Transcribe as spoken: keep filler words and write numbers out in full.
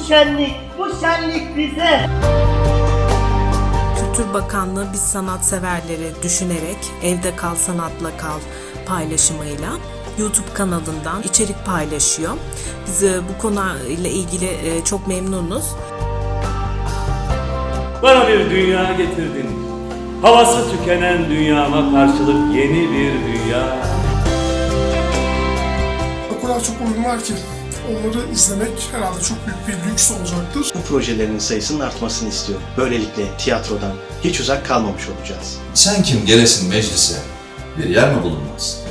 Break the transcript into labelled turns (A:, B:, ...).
A: şenlik, bu şenlik bize.
B: Kültür Bakanlığı biz sanatseverleri düşünerek Evde Kal Sanatla Kal paylaşımıyla YouTube kanalından içerik paylaşıyor. Biz bu konuyla ilgili çok memnunuz.
C: Bana bir dünya getirdin. Havası tükenen dünyama karşılık yeni bir dünya.
D: O kadar çok oyun var ki onları izlemek herhalde çok büyük bir lüks olacaktır.
E: Bu projelerin sayısının artmasını istiyorum. Böylelikle tiyatrodan hiç uzak kalmamış olacağız.
F: Sen kim gelesin meclise? Bir yer mi bulunmaz?